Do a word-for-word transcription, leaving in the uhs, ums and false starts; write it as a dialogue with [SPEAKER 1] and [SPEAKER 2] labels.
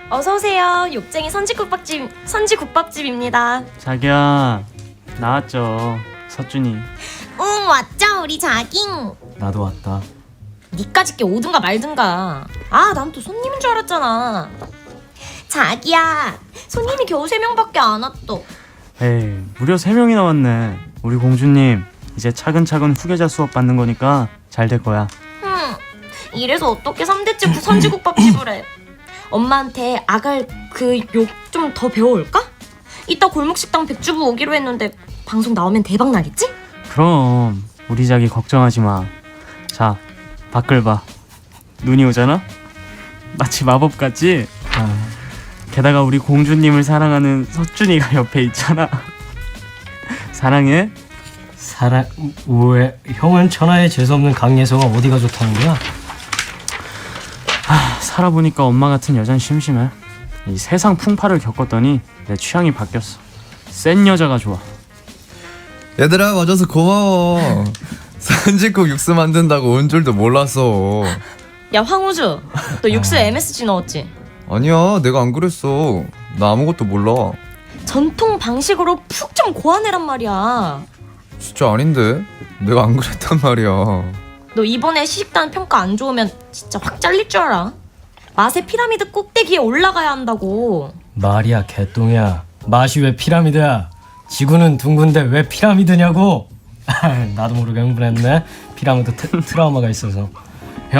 [SPEAKER 1] 어서 오세요. 욕쟁이 선지국밥집 선지국밥집입니다.
[SPEAKER 2] 자기야, 나왔죠. 서준이.
[SPEAKER 1] 응, 왔죠 우리 자깅.
[SPEAKER 2] 나도 왔다.
[SPEAKER 1] 니까짓게 오든가 말든가. 아, 난 또 손님인 줄 알았잖아. 자기야, 손님이 겨우 세 명밖에 안 왔어.
[SPEAKER 2] 에이, 무려 세 명이나 왔네. 우리 공주님, 이제 차근차근 후계자 수업 받는 거니까 잘 될 거야.
[SPEAKER 1] 흠, 이래서 어떻게 삼 대째 선지국밥집을 해. 엄마한테 아갈 그 욕 좀 더 배워올까? 이따 골목식당 백주부 오기로 했는데 방송 나오면 대박 나겠지?
[SPEAKER 2] 그럼 우리 자기 걱정하지 마. 자, 밖을 봐. 눈이 오잖아? 마치 마법 같지? 아, 게다가 우리 공주님을 사랑하는 서준이가 옆에 있잖아. 사랑해?
[SPEAKER 3] 사랑... 왜? 형은 천하에 재수없는 강예서가 어디가 좋다는 거야?
[SPEAKER 2] 아, 살아보니까 엄마 같은 여잔 심심해. 이 세상 풍파를 겪었더니 내 취향이 바뀌었어. 센 여자가 좋아.
[SPEAKER 4] 얘들아, 와줘서 고마워. 선지국 육수 만든다고 온 줄도 몰랐어.
[SPEAKER 1] 야, 황우주, 너 육수에 엠에스지 넣었지?
[SPEAKER 4] 아니야, 내가 안 그랬어. 나 아무것도 몰라.
[SPEAKER 1] 전통 방식으로 푹 좀 고아내란 말이야.
[SPEAKER 4] 진짜 아닌데? 내가 안 그랬단 말이야.
[SPEAKER 1] 너 이번에 시식단 평가 안 좋으면 진짜 확 잘릴 줄 알아. 맛의 피라미드 꼭대기에 올라가야 한다고.
[SPEAKER 3] 말이야 개똥이야. 맛이 왜 피라미드야? 지구는 둥근데 왜 피라미드냐고? 나도 모르게 흥분했네. 피라미드 트, 트라우마가 있어서.